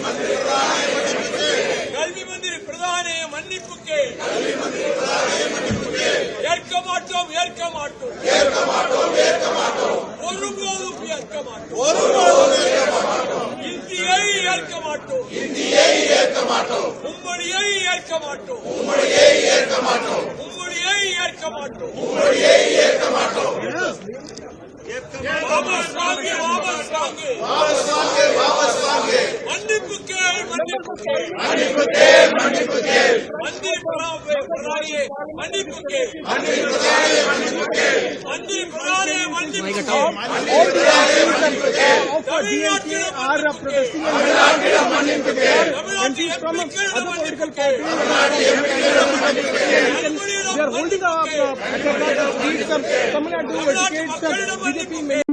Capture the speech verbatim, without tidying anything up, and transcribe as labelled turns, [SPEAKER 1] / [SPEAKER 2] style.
[SPEAKER 1] கல்வி மந்திரி பிரதானே மன்னிப்புக்கே ஏற்க மாட்டோம் ஏற்க மாட்டோம் ஒருபோதும் ஏற்க மாட்டோம் இந்தியை ஏற்க மாட்டோம் உம்மொழியை ஏற்க மாட்டோம் உம்மொழியை ஏற்க மாட்டோம் வாபஸ் வாங்கு வாபஸ் வாங்கு மன்னிப்புக்கே மன்னிப்புக்கே மந்திரி பிரதானியே மன்னிப்புக்கே மந்திரி பிரதானே மன்னிப்புக்கே தமிழ்நாட்டிடம் மன்னிப்புக்கே தமிழ்நாட்டில் எம்பிக்களிடம் மன்னிப்புக்கே
[SPEAKER 2] They are holding up uh, Tamil Nadu educates B J P